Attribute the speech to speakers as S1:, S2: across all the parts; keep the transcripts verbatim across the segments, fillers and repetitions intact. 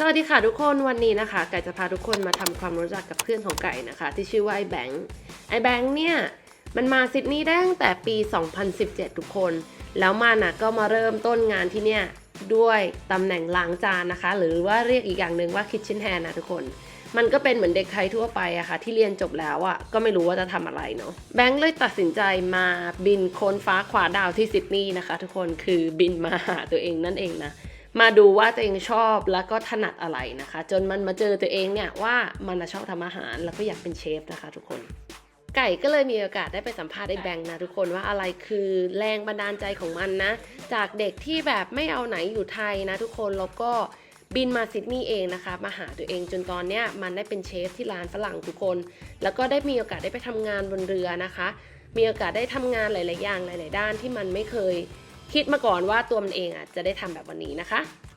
S1: วัสดีค่ะทุกคนวันนี้นะคะไก่จะพาทุกคนมาทำความรู้จักกับเพื่อนของไก่นะคะที่ชื่อว่าไอ้แบงค์ไอ้แบงค์เนี่ยมันมาซิดนีย์ได้ตั้งแต่ปีสองพันสิบเจ็ดทุกคนแล้วมันนะก็มาเริ่มต้นงานที่เนี่ยด้วยตำแหน่งล้างจานนะคะหรือว่าเรียกอีกอย่างหนึ่งว่า kitchen hand นะทุกคนมันก็เป็นเหมือนเด็กไทยทั่วไปอะค่ะที่เรียนจบแล้วอะก็ไม่รู้ว่าจะทำอะไรเนาะแบงค์เลยตัดสินใจมาบินโค้นฟ้าขวาดาวที่ซิดนีย์นะคะทุกคนคือบินมาหาตัวเองนั่นเองนะมาดูว่าตัวเองชอบแล้วก็ถนัดอะไรนะคะจนมันมาเจอตัวเองเนี่ยว่ามันชอบทำอาหารแล้วก็อยากเป็นเชฟนะคะทุกคนไก่ก็เลยมีโอกาสได้ไปสัมภาษณ์ไอ้แบงค์นะทุกคนว่าอะไรคือแรงบันดาลใจของมันนะจากเด็กที่แบบไม่เอาไหนอยู่ไทยนะทุกคนแล้วก็บินมาซิดนีย์เองนะคะมาหาตัวเองจนตอนเนี้ยมันได้เป็นเชฟที่ร้านฝรั่งทุกคนแล้วก็ได้มีโอกาสได้ไปทำงานบนเรือนะคะมีโอกาสได้ทำงานหลายๆอย่างหลายๆด้านที่มันไม่เคยคิดมาก่อนว่าตัวมันเองอ่ะจะได้ทำแบบวันนี้นะคะ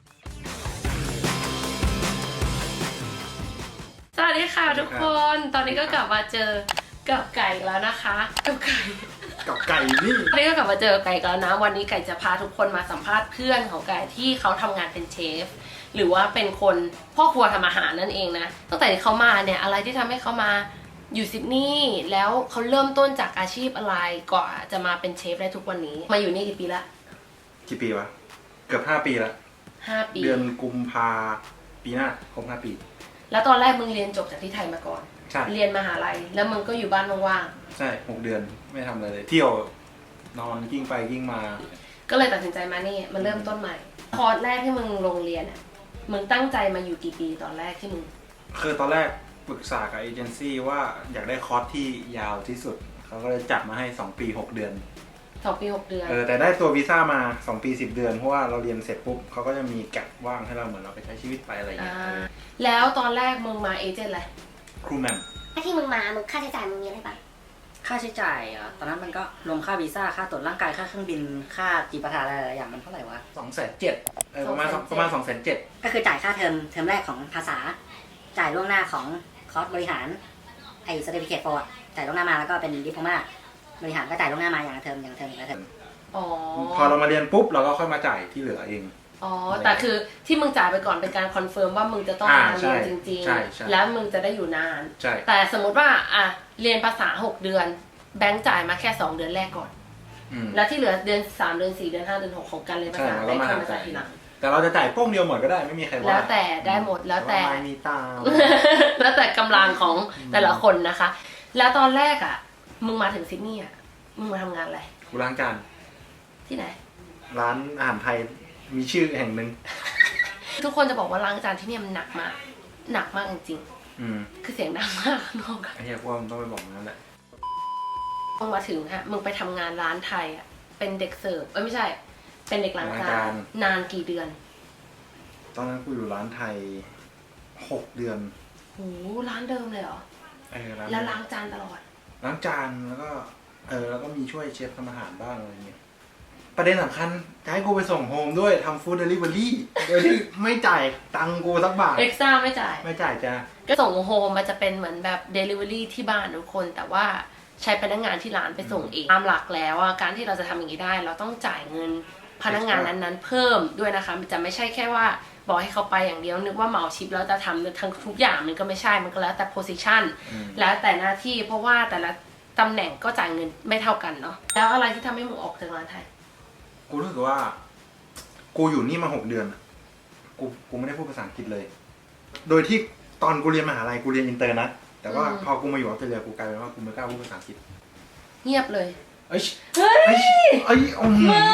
S1: สวัสดีค่ะทุกคนตอนนี้ก็กลับมาเจอกับไก่แล้วนะคะกับไก่
S2: กับไก่นี่
S1: ตอนนี้ก็กลับมาเจอไก่แล้วนะวันนี้ไก่จะพาทุกคนมาสัมภาษณ์เพื่อนของไก่ที่เขาทำงานเป็นเชฟหรือว่าเป็นคนพ่อครัวทำอาหารนั่นเองนะตั้งแต่ที่เขามาเนี่ยอะไรที่ทำให้เขามาอยู่ซิดนีย์แล้วเขาเริ่มต้นจากอาชีพอะไรก่อนจะมาเป็นเชฟได้ทุกวันนี้มาอยู่นี่กี่ปีละ
S2: กี่ปีวะเกือบห้าปีละ
S1: ห้าปี
S2: เดือนกุมภาปีหน้าครบห้าปี
S1: แล้วตอนแรกมึงเรียนจบจากที่ไทยมาก่อน
S2: ใช่
S1: เรียนมหาลัยแล้วมึงก็อยู่บ้านว่าง
S2: ๆใช่หกเดือนไม่ทำอะไรเลยเที่ยวนอนกิ้งไปกิ้งมา
S1: ก็เลยตัดสินใจมานี่มาเริ่มต้นใหม่คอร์สแรกที่มึงลงเรียนอ่ะมึงตั้งใจมาอยู่กี่ปีตอนแรกที่มึง
S2: คือตอนแรกปรึกษากับเอเจนซี่ว่าอยากได้คอร์สที่ยาวที่สุดเขาก็เลยจัดมาให้สองปีหกเดือน
S1: สองปีหกเดือน
S2: เออแต่ได้ตัววีซ่ามาสองปีสิบเดือนเพราะว่าเราเรียนเสร็จปุ๊บเขาก็จะมีแกลบว่างให้เราเหมือนเราไปใช้ชีวิตไปอะไรอย่างเงี้ย
S1: แล้วตอนแรกมึงมาเอเจนต์อะไร
S2: ครูแมม
S3: ถ้าที่มึงมามึงค่าใช้จ่ายมึงมีอะไรบ้าง
S4: ค่าใช้จ่ายอ่ะตอนนั้นมันก็รวมค่าวีซ่าค่าตรวจร่างกายค่าเครื่องบินค่าจีปาถะอะไรหลายอย่างมันเท่าไหร่วะ
S2: สองแสนเจ็ดเออประมาณประมาณสองแสนเจ็ด
S4: ก็คือจ่ายค่าเทอมเทอมแรกของภาษาจ่ายล่วงหน้าของคอร์สบริหารไอ้ certificate for จ่ายล่วงหน้ามาแล้วก็เป็นดิพโลมาบริหารก็จ่ายล่วงหน้ามาอย่างละเทอมอย่างละเทอมอย่างละเทอม
S1: อ๋อ
S2: พอเรามาเรียนปุ๊บเราก็ค่อยมาจ่ายที่เหลือเอง
S1: อ๋อแต่คือที่มึงจ่ายไปก่อนเป็นการคอนเฟิร์มว่ามึงจะต้องมาเรียนจริงๆแล้วมึงจะได้อยู่นานแต่สมมติว่าอ่ะเรียนภาษาหกเดือนแบงค์จ่ายมาแค่สองเดือนแรกก่อนแล้วที่เหลือเดือนสามเดือนสี่เดือนห้าเดือนหกของการเรียนภาษาแบงค์ค่อยมาจ่ายทีหลัง
S2: แต่เราจะจ่ายโป้งเดียวหมดก็ได้ไม่มีใครว่า
S1: แล้วแต่ได้หมดแล้วแต่
S2: ไม่มีตาม
S1: แล้วแต่กำลังของแต่ละคนนะคะแล้วตอนแรกอ่ะมึงมาถึงซิดนีย์อ่ะมึงมาทำงานอะไร
S2: กูล้างจาน
S1: ที่ไหน
S2: ร้านอาหารไทยมีชื่อแห่งหนึ่ง
S1: ทุกคนจะบอกว่าล้างจานที่นี่มันหนักมากหนักมากจริงๆคือเสียงดังมากข้างนอก
S2: ไอ้เหี้ยว่ามันต้องไปบอกนั่นแหละ
S1: มึงมาถึงฮะมึงไปทำงานร้านไทยอ่ะเป็นเด็กเสิร์ฟเอ้ยไม่ใช่เป็นเด็กล้างจานนานกี่เดือน
S2: ตอนนั้นกูอยู่ร้านไทยหกเดือน
S1: โอ้ร้านเดิมเลยเหรอ
S2: เออ
S1: แล้วล้างจานตลอด
S2: ล้างจานแล้วก็เออแล้วก็มีช่วยเชฟทำอาหารบ้างอะไรเงี้ยประเด็นสำคัญจะให้กูไปส่งโฮมด้วยทำฟู้ดเดลิเวอรี่โดยที่ไม่จ่ายตังกูสักบาท
S1: เอ็กซ์ต้าไม่จ่าย
S2: ไม่จ่ายจ้า
S1: ก็ส่งโฮมมันจะเป็นเหมือนแบบเดลิเวอรี่ที่บ้านทุกคนแต่ว่าใช้พนักงานที่ร้านไปส่งเองตามหลักแล้วการที่เราจะทำอย่างนี้ได้เราต้องจ่ายเงินพนักงานนั้นๆเพิ่มด้วยนะคะมันจะไม่ใช่แค่ว่าบอกให้เขาไปอย่างเดียวนึกว่าเหมาชิปแล้วจะทำทั้งทุกอย่างมันก็ไม่ใช่มันก็แล้วแต่โพสิชันแล้วแต่หน้าที่เพราะว่าแต่ละตำแหน่งก็จ่ายเงินไม่เท่ากันเนาะแล้วอะไรที่ทำให้มึงออกจากร้านไทย
S2: กูรู้สึกว่ากูอยู่นี่มาหกเดือนกูกูไม่ได้พูดภาษาอังกฤษเลยโดยที่ตอนกูเรียนมหาลัยกูเรียนอินเตอร์นะแต่ว่าพอกูมาอยู่ออสเตรเลียกูกลายเป็นว่ากูไม่กล้าพูดภาษาอังกฤษ
S1: เงียบเลย
S2: เอ้ย
S1: เฮ้ย
S2: เอ้ยอ๋อ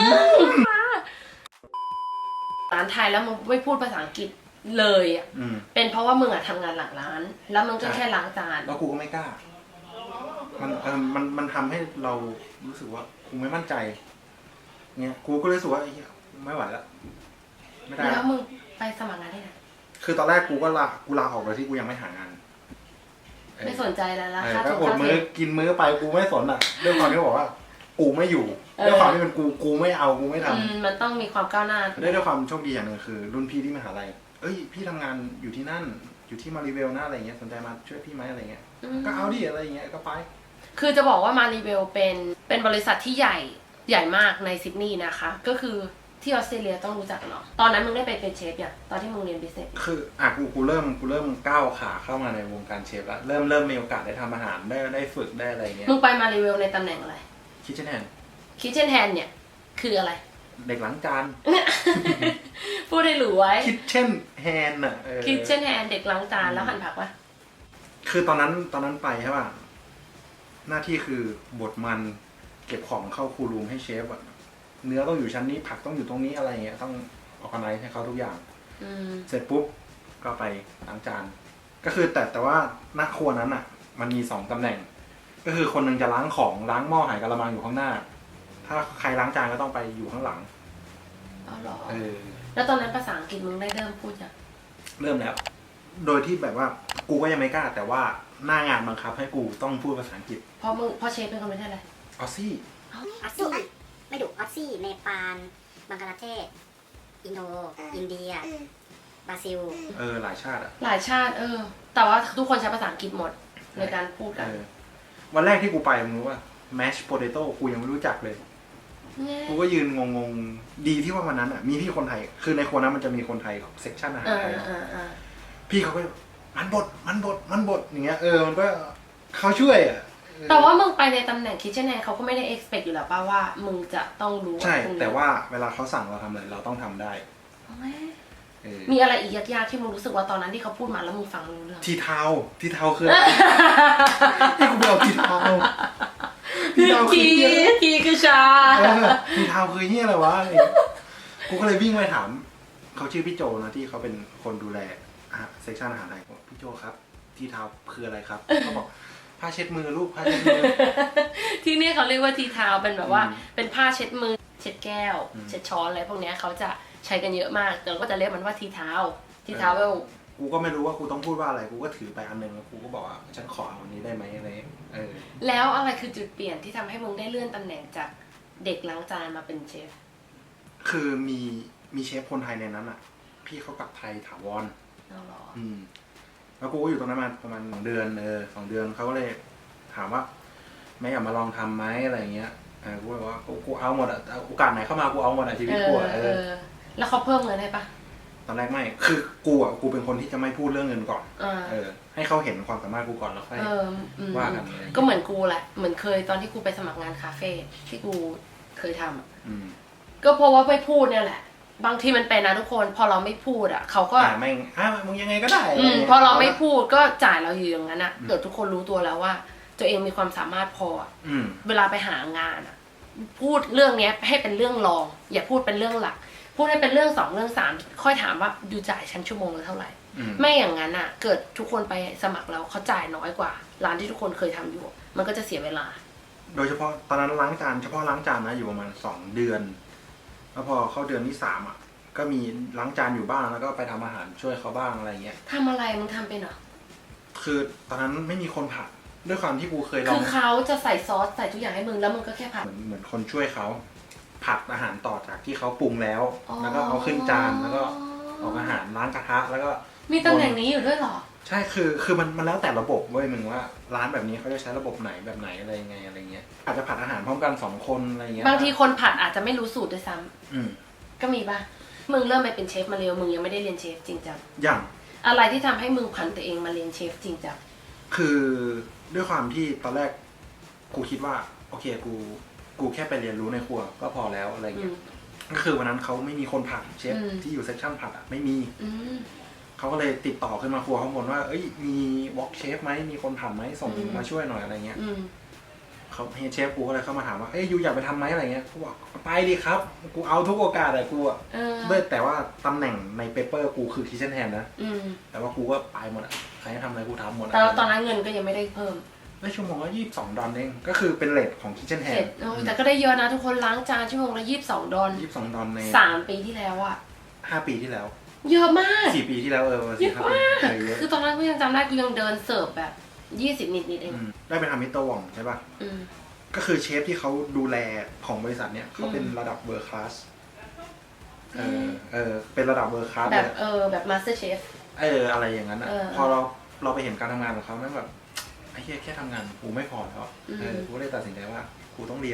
S1: ร้านไทยแล้วมึงไม่พูดภาษาอังกฤษเลยอ่ะเป็นเพราะว่ามึงอ่ะทำงานหลังร้านแล้วมึงก็แค่ล้างจาน
S2: แล้วกูก็ไม่กล้ามันเออมันมันทำให้เรารู้สึกว่ากูไม่มั่นใจเนี่ยกูก็เลยรู้สึกว่าไอ้เหี้ยไม่ไหวแล้ว
S1: ไม่ได้แล้วมึงไปสมัครงานที่ไหน
S2: คือตอนแรกกูก็ลากูลาออกโดยที่กูยังไม่หางาน
S1: ไม่สนใจแล้วละ
S2: ค่าตัวอดมื้อกินมื้อไปกูไม่สนอ่ะด้วยความที่บอกว่ากูไม่อยู่ด้วยความที่เป็นกูกูไม่เอากูไม่ท
S1: ำมันต้องมีความก้าวหน้า
S2: ได้ด้วยความโชคดีอย่างหนึ่งคือรุ่นพี่ที่มหาลัยเอ้ยพี่ทำงานอยู่ที่นั่นอยู่ที่มาริเวลนะอะไรเงี้ยสนใจมาช่วยพี่ไหมอะไรเงี้ยก็เอาดิอะไรเงี้ยก็ไป
S1: คือจะบอกว่ามาริเวลเป็นเป็นบริษัทที่ใหญ่ใหญ่มากในซิดนีย์นะคะก็คือที่ออสเตรเลียต้องรู้จักเนาะตอนนั้นมึงได้ไปเป็นเชฟอย่างตอนที่มึงเรียนบิสเนส
S2: คืออ่ะกูกูเริ่มกูเริ่มก้าวขาเข้ามาในวงการเชฟแล้วเริ่มเริ่มมีโอกาสได้ทำอาหารได้ได้ฝึกได้อะไรเงี้ย
S1: มึงไปมารีวิวในตำแหน่งอะไร
S2: คิทเช่นแฮน
S1: คิทเช่นแฮนเนี่ยคืออะไร
S2: เด็กล้างจาน
S1: พูดให้รู้ไว้
S2: คิทเช่นแฮนอ่ะเออ
S1: คิทเช่นแฮนเด็กล้างจานแล้วหั่นผักวะ
S2: คือตอนนั้นตอนนั้นไปใช่ป่ะหน้าที่คือบดมันเก็บของเข้าคูรูมให้เชฟอะเนื้อต้องอยู่ชั้นนี้ผักต้องอยู่ตรงนี้อะไรเงี้ยต้องออกไนให้เขาทุกอย่าง
S1: อืม
S2: เสร็จปุ๊บก็ไปล้างจาน ก็คือแต่แต่ว่าหน้าครัวนั้นอ่ะ มันมีสองตำแหน่ง ก็คือคนหนึ่งจะล้างของล้างหม้อหายกะละมังอยู่ข้างหน้า ถ้าใครล้างจานก็ต้องไปอยู่ข้างหลัง
S1: เอาหรอ
S2: เออ
S1: แล้วตอนนั้นภาษาอังกฤษมึงได้เริ่มพูดยัง
S2: เริ่มแล้ว โดยที่แบบว่ากูก็ยังไม่กล้า แต่ว่าหน้างานบังคับให้กูต้องพูดภาษาอังกฤษ
S1: เพราะมึงเพราะเชฟเป็นคนไม่ใช่อะไร
S2: ออซี่
S3: ออสซี่ไม่ดุออสซี่เนปาลบังกลาเทศ อินโด อินเดีย บราซิล
S2: เออหลายชาติอ่ะ
S1: หลายชาติ เออ แต่ว่าทุกคนใช้ภาษาอังกฤษหมดในการพูดกัน
S2: เออวันแรกที่กูไปมึงรู้ว่า mash potato กูยังไม่รู้จักเลย กูก็ยืนงงๆ ดีที่ว่าวันนั้นอ่ะ มีพี่คนไทย คือในครัวนั้นมันจะมีคนไทยเซกชันอาหาร
S1: เออ
S2: ไทย
S1: เออเออ
S2: พี่เขาก็มันบดมันบดมันบดอย่างเงี้ยเออมันก็เขาช่วยอ่ะเออ
S1: แต่ว่ามึงไปในตำแหน่งคิทเช่นแฮนเขาก็ไม่ได้ expect อยู่แล้วป่ะว่ามึงจะต้องรู้
S2: ใช่
S1: พวกนี้
S2: แต่ว่าเวลาเขาสั่งเราทำอะไรเราต้องทำได้
S1: เอาไหม
S2: เออ
S1: มีอะไรอีกยากๆที่มึงรู้สึกว่าตอนนั้นที่เขาพูดมาแล้วมึงฟังรู้เรื่อง
S2: ทีเทาทีเทาคือให้กูไปเอาทีเทาทีเทาคือ
S1: ที
S2: เหี้ย
S1: ทีคือชา
S2: เออทีเทาคือเฮียอะไรวะอะไรอย่างเงี้ยกูก็เลยวิ่งไปถามเขาชื่อพี่โจนะที่เขาเป็นคนดูแลเซกชันอาหารไทยบอกพี่โจครับทีเทาคืออะไรครับเขาบอกผ้าเช็ดมือลูกผ้าเช็ดมือ
S1: ที่นี่เขาเรียกว่าทีเทาเป็นแบบว่า
S2: อืม
S1: เป็นผ้าเช็ดมือเช็ดแก้ว
S2: อืม
S1: เช็ดช้อนอะไรพวกเนี้ยเขาจะใช้กันเยอะมากเราก็จะเรียกมันว่าทีเทาทีเทาเวล
S2: กูก็ไม่รู้ว่ากูต้องพูดว่าอะไรกูก็ถือไปอันหนึงแล้วกูก็บอกว่าฉันขอเอาอันนี้ได้ไหมอะไรเออ
S1: แล้วอะไรคือจุดเปลี่ยนที่ทำให้มึงได้เลื่อนตำแหน่งจากเด็กล้างจานมาเป็นเชฟ
S2: คือมีมีเชฟคนไทยในนั้นอ่ะ พี่เขากลับไทยถาวร
S1: เอาเหรอ
S2: อืม แล้วกูก็อยู่ตรงนั้นมาประมาณสองเดือนเออสองเดือนเขาก็เลยถามว่าไม่อยากมาลองทำไหมอะไรเงี้ยเออกูบอกว่ากูกูเอาหมดอ่ะโอกาสไหนเข้ามากูเอาหมดอ่ะชีวิตกูอ่ะเอ
S1: เอ
S2: อ
S1: อ แล้วเขาเพิ่มเงินให้ปะ
S2: ตอนแรกไม่คือกูอ่ะกูเป็นคนที่จะไม่พูดเรื่องเงินก่อน
S1: อ่า
S2: เออ ให้เขาเห็นความสามารถกูก่อนแล้วค่อย
S1: เอออืม
S2: ว่ากันอะไร
S1: ก็เหมือนกูแหละ เหมือนเคยตอนที่กูไปสมัครงานคาเฟ่ที่กูเคยทำอะ
S2: อืม
S1: ก็เพราะว่าไม่พูดเนี่ยแหละ บางทีมันเป็นนะทุกคน พอเราไม่พูดอ่ะเขาก็
S2: อ่าแม่งอ่ะมึงยังไงก็ได้
S1: อืม
S2: ะไงี้ย
S1: พอเราไม่พูดก็จ่ายเราอยู่อย่างนั้นอ่ะเกิดทุกคนรู้ตัวแล้วว่า ตัวเองมีความสามารถพออะ
S2: อืม
S1: เวลาไปหางานอ่ะ พูดเรื่องเนี้ยให้เป็นเรื่องรอง อย่าพูดเป็นเรื่องหลัก พูดให้เป็นเรื่องสองเรื่องสามค่อยถามว่าดูจ่ายฉันชั่วโมงละเท่าไหร่
S2: อืม
S1: ไม่อย่างนั้นอ่ะ เกิดทุกคนไปสมัครแล้วเขาจ่ายน้อยกว่า ร้านที่ทุกคนเคยทำอยู่ มันก็จะเสียเวลา
S2: โดยเฉพาะตอนนั้นล้างจานเฉพาะล้างจานนะอยู่ประมาณสองเดือน แล้วพอเข้าเดือนที่สามอ่ะ ก็มีล้างจานอยู่บ้างแล้วก็ไปทำอาหารช่วยเขาบ้างอะไรเงี้ย
S1: ทำอะไรมึงทำเป็นเหรอ
S2: คือตอนนั้นไม่มีคนผัดด้วยความที่กูเคยลอ
S1: คื
S2: ง
S1: อเขาจะใส่ซอสใส่ทุกอย่างให้มึงแล้วมึงก็แค่ผัด
S2: เหมือนเหมือนคนช่วยเขาผัดอาหารต่อจากที่เขาปรุงแล้ว
S1: อ๋อ
S2: แล้วก็เอาขึ้นจานแล้วก็ออกอาหารล้างกระทะแล้วก็
S1: มีตำแหน่งนี้อยู่ด้วยเหรอ
S2: ใช่คือคือมันมันแล้วแต่ระบบเว้ยมึงว่าร้านแบบนี้เขาจะใช้ระบบไหนแบบไหนอะไรยังไงอะไรเงี้ยอาจจะผัดอาหารพร้อมกันสองคนอะไรเงี้ย
S1: บางทีคนผัดอาจจะไม่รู้สูตรด้วยซ้ำ
S2: อืม
S1: ก็มีป่ะ มึงเริ่มไปเป็นเชฟมาเร็ว มึงยังไม่ได้เรียนเชฟจริงจัง
S2: อย่าง
S1: อะไรที่ทำให้มึงผันตัวเองมาเรียนเชฟจริงจัง
S2: คือด้วยความที่ตอนแรกกูคิดว่าโอเคกูกูแค่ไปเรียนรู้ในครัวก็พอแล้วอะไร
S1: อื
S2: เงี้
S1: ม
S2: ยก็คือวันนั้นเขาไม่มีคนผัดเชฟ
S1: อืม
S2: ที่อยู่เซสชั่นผัดอ่ะไม่มี
S1: อืม
S2: เขาก็เลยติดต่อขึ้นมาครัวข้างบนว่าเอ้ยมีวอล์กเชฟไหมมีคนผัดไหมส่ง
S1: อืม
S2: มาช่วยหน่อยอะไรเงี้ย
S1: อืม
S2: เขาเฮดเชฟกูก็เลยเข้ามาถามว่าเอ้ยยูอยากไปทำไหมอะไรเงี้ยกูบอกไปดิครับกูเอาทุกโอกาสเลยกูอ่ะ
S1: เออ
S2: ด้วยแต่ว่าตำแหน่งในเปเปอร์กูคือคิเชนแฮนนะ
S1: อืม
S2: แต่ว่ากูก็ไปหมดอ่ะใครให้ทำอะไรกูทำหมด
S1: แต่
S2: อ่ะ
S1: ตอนนั้นเงินก็ยังไม่ได้เพิ่ม
S2: ได้ชั่วโมงละยี่สิบสองดอลเองก็คือเป็นเรทของคิเชนแฮ
S1: เสร็
S2: น
S1: จโอ้ยแต่ก็ได้เยอะนะทุกคนล้างจานชั่วโมงละยี่สิบสองดอล
S2: ยี่สิบสองดอลใน
S1: สามปีที่แล้วอะ
S2: ห้าปีที่แล้ว
S1: เยอะมาก
S2: สี่ปีที่แล้วเออ
S1: เย
S2: สี่
S1: อะ
S2: ห้าปี
S1: มาก
S2: เออเยอะ
S1: คือตอนนั้นกูยังจำได้กูยังเดินเสิร์ฟแบบยี่สิบนิดนิดๆเอง
S2: อืมได้ไปทำมิสเตอร์วองใช่ป่ะ
S1: อืม
S2: ก็คือเชฟที่เขาดูแลของบริษัทเนี้ยเขาเป็นระดับเวอร์คลาสเออเออเป็นระดับเวอร์คลาส
S1: แบ
S2: เล
S1: บ
S2: ย
S1: เออแบบมาสเตอร์เชฟ
S2: เอออะไรอย่างนั้นอ่ะ
S1: เออ
S2: พอเราเราไปเห็นการทำงานของเขาแม่งแบบไอ้แค่แค่ทำงานกูไม่พอแล้ว
S1: อืม
S2: เออกูก็เลยตัดสินใจว่ากูต้องเรียน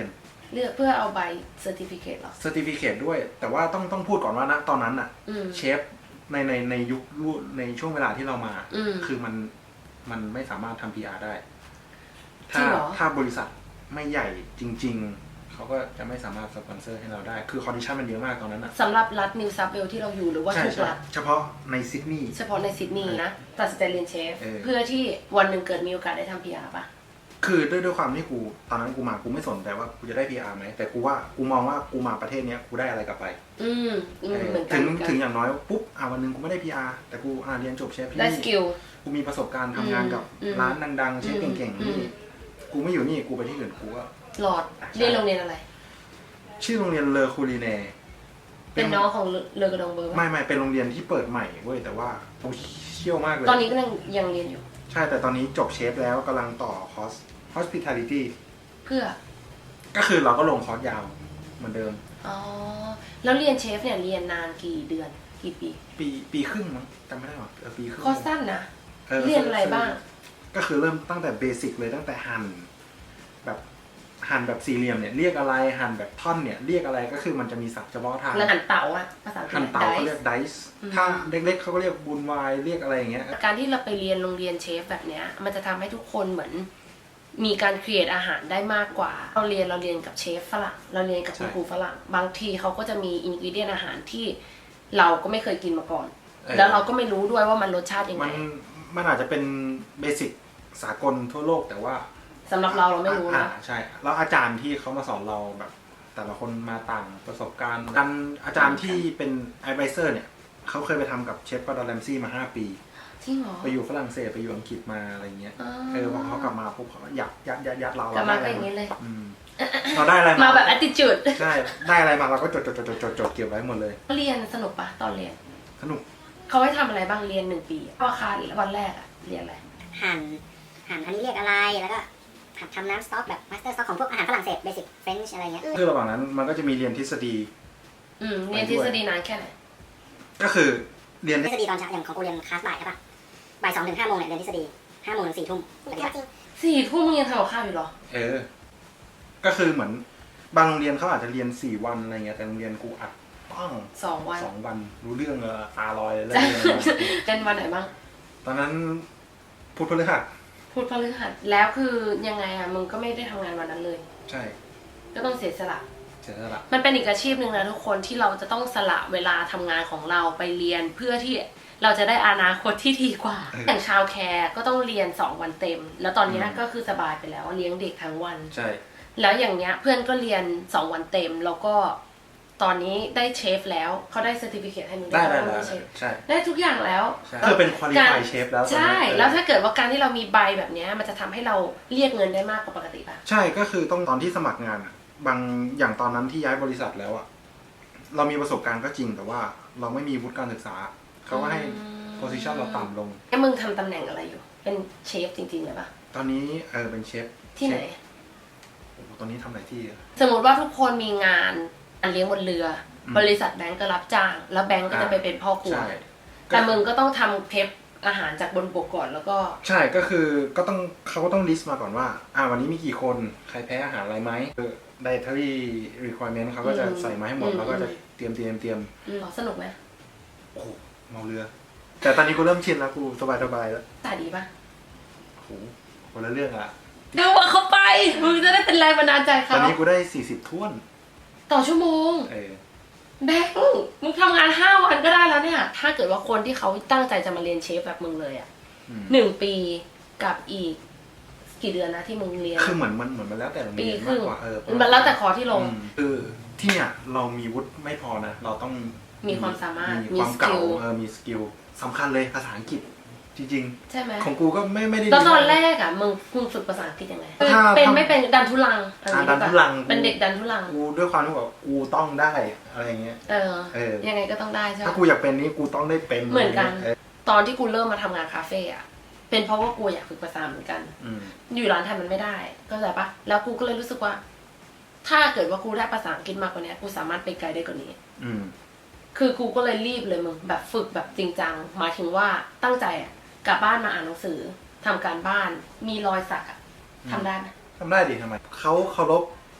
S1: เลือกเพื่อเอาใบเซอร์ติฟิเคตหรอ
S2: เซอร์ติฟิเคตด้วย แต่ว่าต้องต้องพูดก่อนว่านะตอนนั้นอะ
S1: อืม
S2: เชฟในในในยุคในช่วงเวลาที่เรามา
S1: อืม
S2: คือมันมันไม่สามารถทำ พี อาร์ ได้
S1: จริ
S2: ถ้าง
S1: เหรอ
S2: ถ้าบริษัทไม่ใหญ่จริง ๆ เขาก็จะไม่สามารถสปอนเซอร์ให้เราได้ คือคอนดิชันมันเยอะมากตอนนั้นอะ
S1: สำหรับรัฐนิวซับเวลที่เราอยู่หรือว่า
S2: ใช่
S1: ทุก
S2: ใช่
S1: รัฐ
S2: เฉพาะในซิดนีย์
S1: เฉพาะในซิดนีย์นะตัดสินใจเรียนเชฟ
S2: เออ
S1: เพื่อที่วันหนึ่งเกิดมีโอกาสได้ทำ พี อาร์ ป่ะ
S2: คือด้วยด้วยความที่กูตอนนั้นกูมากูไม่สนใจว่ากูจะได้ พี อาร์ ไหมแต่กูว่ากูมองว่ากูมาประเทศเนี้ยกูได้อะไรกลับไป
S1: อืมอืม
S2: เออ
S1: เหมือนกั
S2: ถึ
S1: น
S2: ง
S1: เหมือนกัน
S2: ถึงอย่างน้อยปุ๊บอ่าวันหนึงกูไม่ได้ พี อาร์ แต่กูอ่าเรียนจบเชฟที่
S1: ได้ส
S2: นี่
S1: กิล
S2: กูมีประสบการณ์ทำงานกับ
S1: อืม
S2: ร้านดังๆเชฟ
S1: อืม
S2: เก่ง
S1: อื
S2: ๆ
S1: ม
S2: นี่กูไม่อยู่นี่กูไปที่อื่นกูก็
S1: หลอดเรียนโรงเรียนอะไร
S2: ชื่อโรงเรียนเลอคูลีเน่
S1: เป็นน้องของเลอกระดองเบอร์
S2: ไม่
S1: ป่ะ
S2: ไม่เป็นโรงเรียนที่เปิดใหม่เว้ยแต่ว่ากูเชี่ยวมากเลย
S1: ตอนนี้ก็ยังยังเรียนอยู่
S2: ใช่แต่ตอนนี้จบเชฟแล้วกำลังต่อคอร์ส hospitality
S1: เพื่อ
S2: ก็คือเราก็ลงคอร์สยาวเหมือนเดิม
S1: อ๋อ แล้วเรียนเชฟเนี่ยเรียนนานกี่เดือน กี่ปี
S2: ปีปีครึ่งมั้งจำไม่ได้หรอเออปีครึ่ง
S1: คอร์สสั้นนะ
S2: ออ
S1: เรียนอะไรบ้าง
S2: ก็คือเริ่มตั้งแต่เบสิกเลยตั้งแต่หั่นแบบหั่นแบบสี่เหลี่ยมเนี่ยเรียกอะไรหั่นแบบท่อนเนี่ยเรียกอะไรก็คือมันจะมีศัพท์เฉพาะทาง
S1: แล้วหันเต๋าอะภาษาอังกฤษ
S2: หั่นเตาเขาเรียกไดซ์
S1: อืม
S2: ถ้าเล็กๆเขาก็เรียกบูนไวน์เรียกอะไรอย่างเงี้ย
S1: การที่เราไปเรียนโรงเรียนเชฟแบบเนี้ย มันจะทำให้ทุกคนเหมือน มีการครีเอทอาหารได้มากกว่า เราเรียนเราเรียนกับเชฟฝรั่ง เราเรียนกับคุณครูฝรั่ง บางทีเขาก็จะมีอินกิเดียนอาหารที่เราก็ไม่เคยกินมาก่อน
S2: เออ
S1: แล้วเราก็ไม่รู้ด้วยว่ามันรสชาติยังไง
S2: มันมันอาจจะเป็นเบสิกสากลทั่วโลกแต่ว่า
S1: สำหรับเราเราไม่รู้
S2: อ่า
S1: นะ
S2: ใช่แล้วอาจารย์ที่เขามาสอนเราแบบ แต่ละคนมาต่างประสบการณ์กันอาจารย์ที่เป็นไอไบเซอร์เนี่ยเขาเคยไปทำกับเชฟกอร์ดอนแรมซี่มาห้าปี
S1: จริงเหรอ
S2: ไปอยู่ฝรั่งเศสไปอยู่อังกฤษมาอะไรเงี้ย
S1: อ๋อ
S2: เออพอเขากลับมาปุ๊บเขาก็ยัดยัดยัดยัดเรา
S1: กลับมา
S2: ได้
S1: ก็อย่างนี้เลย
S2: อืมเราได้อะไร
S1: มาแบบ attitude
S2: ใช่ได้อะไรมาเราก็จดจดจดจดจดจดเก็บไว้หมดเลย
S1: เรียนสนุกปะตอนเรียน
S2: สนุก
S1: เขาให้ทำอะไรบ้างเรียนหนึ่งปีว่าคาวันแรกอะเรียนอะไร
S3: หั่นหั่นอันนี้เรียกอะไรแล้วก็หัดทำน้ำสต๊อกแบบมาสเตอร์สต๊อกของพวกอาหารฝรั่งเศสเบสิกเฟรนช์อะไรเงี้ย
S2: คือระหว่างนั้นมันก็จะมีเรียนทฤษฎี
S1: อืมเรียนทฤษฎีนานแค่ไหน
S2: ก็คือเรียน
S3: ทฤษฎีตอนเช้าอย่างของกูเรียนคลาสบ่ายใช่ปะบ่ายสองถึงห้าโมงเนี่ยเรียนทฤษฎีห้าโมงถึงสี่ทุ่มปฏิบัติ
S1: สี่ทุ่มมึงยังทำกับข้าวอยู่เหรอ
S2: เออ ก็คือเหมือนบางโรงเรียนเขาอาจจะเรียนสี่วันอะไรเงี้ยแต่โรงเรียนกูอัดป้อง
S1: สองวัน
S2: สองวันรู้เรื่องเลยตาลอยเลย
S1: จะเป็นวันไหนบ้าง
S2: ตอนนั้นพุธพฤหัส
S1: พูดพฤหัสแล้วคือยังไงอะมึงก็ไม่ได้ทำงานวันนั้นเลย
S2: ใช่
S1: ก็ต้องเสียสละ
S2: เสร็จแล้วล่ะ
S1: มันเป็นอีกอาชีพหนึ่งนะทุกคนที่เราจะต้องสละเวลาทำงานของเราไปเรียนเพื่อที่เราจะได้อนาคตที่ดีกว่า อย่างชาวแคร์ก็ต้องเรียนสองวันเต็ม แล้วตอนนี้ก็คือสบายไปแล้วเลี้ยงเด็กทั้งวัน
S2: ใช่
S1: แล้วอย่างเนี้ยเพื่อนก็เรียนสองวันเต็มแล้วก็ตอนนี้ได้เชฟแล้วเขาได้เซอร์ติฟิเคทให้มึง
S2: ได้ได้
S1: ว่า
S2: ได้
S1: มึงเชฟ
S2: ใช่
S1: ได้ทุกอย่างแล้ว
S2: ใช่คือเป็นควอลิฟายเชฟแล้วตอนนี้
S1: ใช่
S2: เออ
S1: แล้วถ้าเกิดว่าการที่เรามีใบแบบเนี้ยมันจะทำให้เราเรียกเงินได้มากกว่าปกติป่ะ
S2: ใช่ก็คือต้องตอนที่สมัครงานอะบางอย่างตอนนั้นที่ย้ายบริษัทแล้วอะเรามีประสบการณ์ก็จริงแต่ว่าเราไม่มีวุฒิการศึกษาเขาก็ให้โพสิชันเราต่ำลง
S1: แล้วมึงทำตำแหน่งอะไรอยู่ เป็นเชฟจริงๆเลยป่ะ
S2: ตอนนี้เออเป็นเชฟ
S1: ที่ไหน
S2: เชฟโอ้โหตอนนี้ทำหลายที่อะ
S1: สมมติว่าทุกคนมีงานอันเลี้ยงบนเรืออ
S2: ม
S1: บริษัทแบงก์ก็รับจ้าง แล้วแบงก์ก็จะไปเป็นพ่อครัว
S2: ใช่
S1: แต่มึงก็ต้องทำเพปอาหารจากบนบกก่อนแล้วก็
S2: ใช่ก็คือก็ต้องเขาก็ต้องลิสต์มาก่อนว่าอ่าวันนี้มีกี่คนใครแพ้อาหารอะไรไหมคือ dietary requirement เขาก็จะใส่มาให้หมดแล้วก็จะเตรียมเตรียมเตรียม
S1: อืมสนุกไหม
S2: โอ้โหเมาเรือ แต่ตอนนี้กูเริ่มชินแล้วกูสบายสบายแล้ว
S1: ตาดีป่ะ
S2: โอ้โหคนละเรื่องอะ
S1: ดูว่าเขาไป มึงจะได้เป็นแรงบันดาลใจ
S2: ต
S1: เขา
S2: อนนี้กูได้สี่สิบท้วน
S1: ต่อชั่วโมง
S2: เออ
S1: แบงค์มึงทำงานห้าวันก็ได้แล้วเนี่ย ถ้าเกิดว่าคนที่เขาตั้งใจจะมาเรียนเชฟแบบมึงเลยอ่ะ
S2: อืม
S1: หนึ่งปีกับอีก กี่เดือนนะที่มึงเรียน
S2: คือเหมือนมันเหมือนมันแล้วแต่โรง
S1: ปี
S2: เรียน
S1: ครึ่
S2: มาง กกว่าเออ
S1: มันแล้วแต่คอที่ลง
S2: อืมคือที่เนี่ยเรามีวุฒิไม่พอนะ เราต้อง
S1: มีความสามารถ
S2: มี
S1: มี
S2: ความเก่า
S1: สกิล
S2: เออมีสกิลสำคัญเลยภาษาอังกฤษจริง
S1: ใช่ไหม
S2: ๆ ของกูก็ไม่ไม่ได้
S1: ตอนตอน
S2: ดี
S1: แร
S2: มาก
S1: อ่ะมึงมึงฝึกภาษาอังกฤษยังไง
S2: ถ้า
S1: เป็น
S2: ถ้า
S1: ไม่เป็นดันทุลังอะไรอย่าง
S2: อ่าดั
S1: งี้
S2: นทุลัง
S1: เป็นเด็กดันทุลัง
S2: กูด้วยความที่แบบกูต้องได้อะไรเงี้ย
S1: เออ
S2: เออ
S1: ยังไงก็ต้องได้ใช่ไหม
S2: ถ้ากูอยากเป็นนี้กูต้องได้เป็น
S1: เหมือนกัน
S2: เออ
S1: ตอนที่กูเริ่มมาทำงานคาเฟ่อะเป็นเพราะว่ากูอยากฝึกภาษาเหมือนกัน
S2: อืม
S1: อยู่ร้านไทยมันไม่ได้เข้าใจปะแล้วกูก็เลยรู้สึกว่า ถ้าเกิดว่ากูได้ภาษาอังกฤษมากกว่านี้กูสามารถไปไกลได้กว่านี้
S2: อืม
S1: คือกูก็เลยรีบเลยมึงแบบฝึกแบบจริงจังหมายถึงว่าตั้งใจอะกลับบ้านมาอ่านหนังสือทำการบ้านมีรอยสักอะทำได้ไหม
S2: ทำได้ดิทำไมเขาเคารพ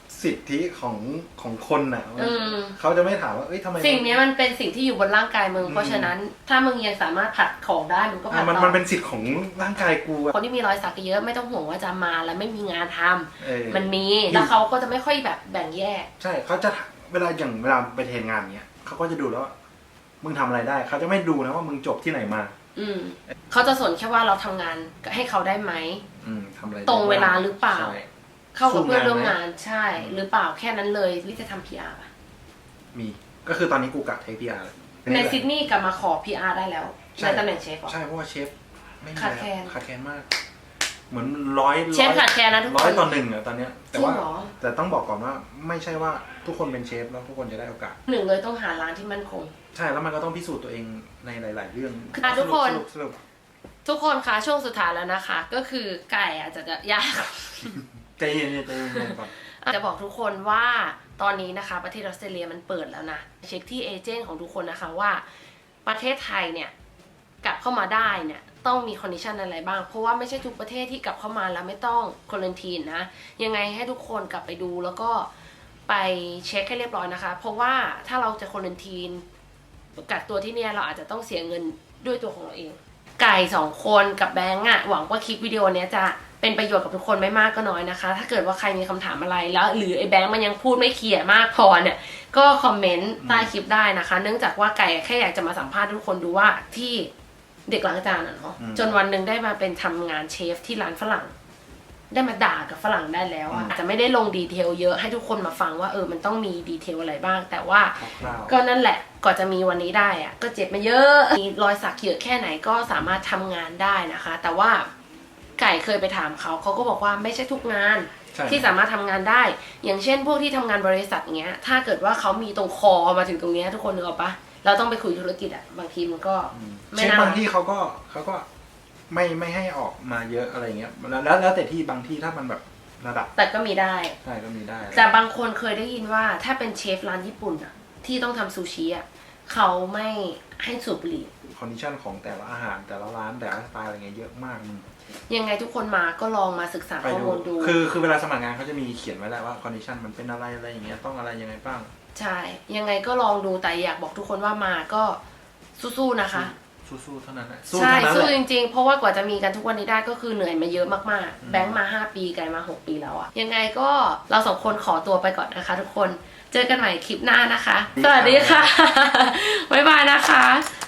S2: สิทธิของของคนน่ะ
S1: อืม
S2: เขาจะไม่ถามว่าเอ้ยทำไม
S1: สิ่งนี้มันเป็นสิ่งที่อยู่บนร่างกายมึง
S2: อืม
S1: เพราะฉะนั้นถ้ามึงยังสามารถผลัดของได้มึงก็ผลั
S2: อ่ะ
S1: ด
S2: มัน
S1: ต่อ
S2: มันเป็นสิทธิ์ของร่างกายกูอะ
S1: คนที่มีรอยสักเยอะไม่ต้องห่วงว่าจะมาแล้วไม่มีงานทำ
S2: เออ
S1: มันมีแล้วเขาก็จะไม่ค่อยแบบแบ่งแยก
S2: ใช่เขาจะเวลาอย่างเวลาไปเทรนงานเนี้ยเขาก็จะดูแล้วว่ามึงทำอะไรได้เขาจะไม่ดูนะว่ามึงจบที่ไหนมา
S1: อืมเขาจะสนแค่ว่าเราทำงานให้เขาได้ไหม
S2: อืมทำอะไรได้
S1: ตรงเวลาหรือเปล่า
S2: ใช่
S1: เข้ากับเพื่อน
S2: สู้งาน
S1: ร่วมงาน
S2: ไหม
S1: ใช่ หรือเปล่าแค่นั้นเลยลิจะทำ พี อาร์ ป่ะ
S2: มีก็คือตอนนี้กูกะเทคพีอาร์
S1: ในซิดนีย์กลับมาขอ พี อาร์ ได้แล้ว
S2: ใช่
S1: ในตำแหน่งเชฟเหรอ
S2: ใช่เพราะว่าเชฟไม่มี
S1: ขาด
S2: แล้ว
S1: แคลน
S2: ขาดแคลนมาก เหมือนร้อย
S1: เชฟขาดแคลนนะทุกคน
S2: ร้อยต่อหนึ่งอะตอนเนี้ยแต่ว่า
S1: จริงเหรอ
S2: แต่ต้องบอกก่อนว่าไม่ใช่ว่าทุกคนเป็นเชฟแล้วทุกคนจะได้โอกาส
S1: หนึ่งเลยต้องหาร้านที่มั่นคง
S2: ใช่แล้วมันก็ต้องพิสูจน์ตัวเองในหลาย ๆ เรื่อง
S1: อ่ะทุกคน
S2: สรุปสรุป
S1: ทุกคนคะช่วงสุดท้ายแล้วนะคะ ก็คือไก่อาจจะยาก
S2: ใจเย็นๆใจเย็นๆก่อน
S1: จะบอกทุกคนว่าตอนนี้นะคะประเทศออสเตรเลียมันเปิดแล้วนะเช็คที่เอเจนต์ของทุกคนนะคะว่าประเทศไทยเนี่ยกลับเข้ามาได้เนี่ยต้องมีคอนดิชันอะไรบ้างเพราะว่าไม่ใช่ทุกประเทศที่กลับเข้ามาแล้วไม่ต้องควอรันทีนนะยังไงให้ทุกคนกลับไปดูแล้วก็ไปเช็คให้เรียบร้อยนะคะเพราะว่าถ้าเราจะควอรันทีนกักตัวที่เนี่ยเราอาจจะต้องเสียเงินด้วยตัวของเราเองไก่สองคนกับแบงก์อะหวังว่าคลิปวิดีโอเนี้ยจะเป็นประโยชน์กับทุกคนไม่มากก็น้อยนะคะถ้าเกิดว่าใครมีคำถามอะไรแล้วหรือไอ้แบงค์มันยังพูดไม่เคลียร์มากพอเนี่ยก็คอมเมนต์ใต้คลิปได้นะคะ เนื่องจากว่าไก่แค่อยากจะมาสัมภาษณ์ทุกคนดูว่าที่เด็กล้างจานอ่ะเนาะจนวันหนึ่งได้มาเป็นทำงานเชฟที่ร้านฝรั่ง ได้มาด่ากับฝรั่งได้แล้วอะอาจจะไม่ได้ลงดีเทลเยอะให้ทุกคนมาฟังว่าเออมันต้องมีดีเทลอะไรบ้าง แต่ว่า
S2: คร่าวๆ
S1: ก็นั่นแหละก่อนจะมีวันนี้ได้อะก็เจ็บมาเยอะมีรอยสักเยอะแค่ไหนก็สามารถทำงานได้นะคะ แต่ว่าไก่เคยไปถามเขาเขาก็บอกว่าไม่ใช่ทุกงาน
S2: ใช่
S1: ที่สามารถทำงานได้ อย่างเช่น พวกที่ทำงานบริษัทเงี้ย ถ้าเกิดว่าเขามีตรงคอมาถึงตรงเนี้ยทุกคนนึกออกปะเราต้องไปคุยธุรกิจอะบางทีมันก็
S2: เช
S1: ไม่
S2: ฟ
S1: น่า
S2: บางที่เขาก็เขาก็ไม่ไม่ให้ออกมาเยอะอะไรเงี้ยแล้วแล้วแล้วแต่ที่บางที่ถ้ามันแบบระดับ
S1: แต่ก็มีได้
S2: ใช่ก็มีได้
S1: แต่บางคนเคยได้ยินว่าถ้าเป็นเชฟร้านญี่ปุ่นอะที่ต้องทำซูชิอะเขาไม่ให้สูบบุหรี่
S2: คอนดิชันของแต่ละอาหารแต่ละร้านแต่ละสไตล์อะไรเงี้ยเยอะมากมึง
S1: ยังไงทุกคนมาก็ลองมาศึกษา
S2: ไป
S1: ข้อ
S2: ดู
S1: มูลดู
S2: คือคือเวลาสมัครงานเขาจะมีเขียนไว้แหละว่าคอนดิชันมันเป็นอะไรอะไรอย่างเงี้ยต้องอะไรยังไงบ้าง
S1: ใช่ ยังไงก็ลองดูแต่อยากบอกทุกคนว่ามาก็สู้ๆนะคะ
S2: สู้ๆเท่านั้นแหละ
S1: ใช่
S2: เท่านั้น
S1: สู้
S2: แหละ
S1: จริงๆ เพราะว่ากว่าจะมีกันทุกวันนี้ได้ก็คือเหนื่อยมาเยอะมากๆ แบงค์มาห้าปีไกลมาหกปีแล้วอะยังไงก็เราสองคนขอตัวไปก่อนนะคะ ทุกคนเจอกันใหม่คลิปหน้านะคะ สวัสดีค่ะ บ๊ายบายนะคะ